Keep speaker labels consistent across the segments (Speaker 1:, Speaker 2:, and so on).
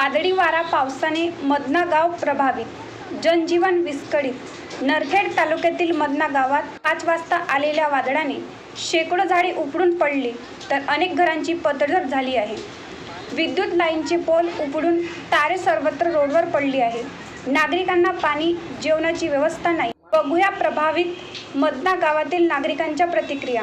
Speaker 1: वादळी वारा पावसाने मदना गाव प्रभावित, जनजीवन विस्कळीत। नरखेड तालुक्यातील मदना गावात 5 वाजता आलेल्या वादळाने शेकडो झाडे उपडून पडली तर अनेक घरांची पडझड झाली आहे। विद्युत लाईनचे पोल उपडून तारे सर्वत्र रोडवर पडली आहे। नागरिकांना पाणी, जेवणाची व्यवस्था नाही। बघूया प्रभावित मदना गावातील नागरिकांच्या प्रतिक्रिया।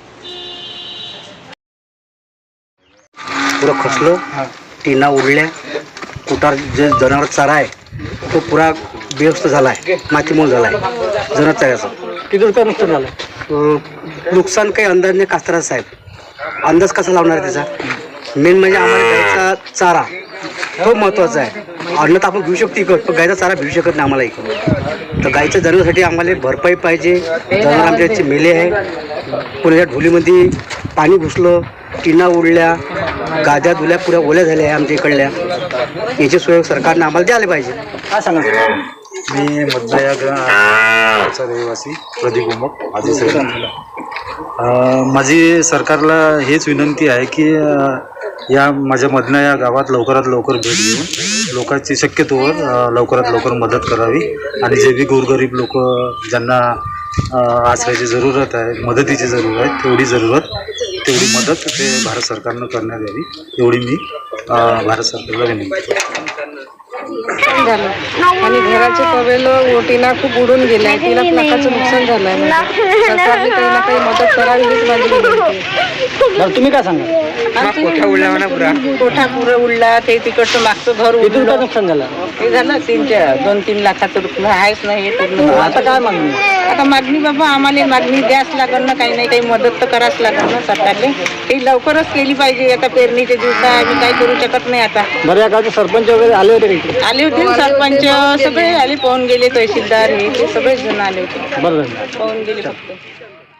Speaker 2: पुरा खचलो, टीना उडल्या, कुटार जे जनावर चारा आहे तो पुरा बेवस्थ झाला आहे, मातीमोल झाला आहे जनावर चाऱ्याचा।
Speaker 3: किती रुपये नुकसान झालं?
Speaker 2: नुकसान काही अंदाज नाही कास्तरा साहेब, अंदाज कसा लावणार त्याचा? मेन म्हणजे आम्हाला गायचा चारा तो महत्त्वाचा आहे। अन्न तर आपण घेऊ शकतो इकडं, पण गायचा चारा भेटू शकत नाही आम्हाला इकडं। तर गायच्या जनावरांसाठी आम्हाला भरपाई पाहिजे। जनावर आमच्या मेले आहे, पुण्याच्या ढोलीमध्ये पाणी घुसलं, टीना उडल्या, गाद्या धुल्या पुऱ्या ओल्या झाल्या आहे आमच्या इकडल्या। याची सोय सरकारने आम्हाला द्यायला पाहिजे।
Speaker 3: काय सांगा?
Speaker 4: मी मदना या गावचा रहिवासी प्रदीप उमक माझी माझी सरकारला हेच विनंती आहे की या माझ्या मदना या गावात लवकरात लवकर भेट देऊन लोकांची शक्यतोवर लवकरात लवकर मदत करावी आणि जे बी गोरगरीब लोक ज्यांना आश्रयाची जरूरत आहे, मदतीची जरूरत आहे, तेवढी मदत ते भारत सरकारनं करण्यात यावी एवढी मी भारत सरकारला विनंती करतो।
Speaker 5: झालं आणि घराचे कवेल ओटीला खूप उडून गेल्या, 3 लाखाचं नुकसान झालं आहे। सरकारने काही ना काही मदत करावी हीच माझी विनंती आहे।
Speaker 3: बरं तुम्ही काय सांगा?
Speaker 5: कोठा पुरा उडला, ते तिकडचं मागचं घर
Speaker 3: किती रुपये
Speaker 5: उडलं,
Speaker 3: नुकसान झालं?
Speaker 5: हे झालं 2-3 लाखाचं रुपये आहेच नाही हे पूर्ण।
Speaker 3: आता काय मागणी?
Speaker 5: आता मागणी बाबा आम्हाला मागणी द्यास लागल ना, काही नाही काही मदत तर करावंच लागल ना सरकारने। ही लवकरच केली पाहिजे। आता पेरणीचे दिवस आहे, आम्ही काही करू शकत नाही आता।
Speaker 3: बरं या गावचे सरपंच वगैरे आले होते का इकडे?
Speaker 5: आले होते ना सरपंच, सगळे आले, पाहून गेले, तहसीलदार हे ते सगळेच जण आले होते,
Speaker 3: बरं झालं।
Speaker 5: पाहून गेले फक्त।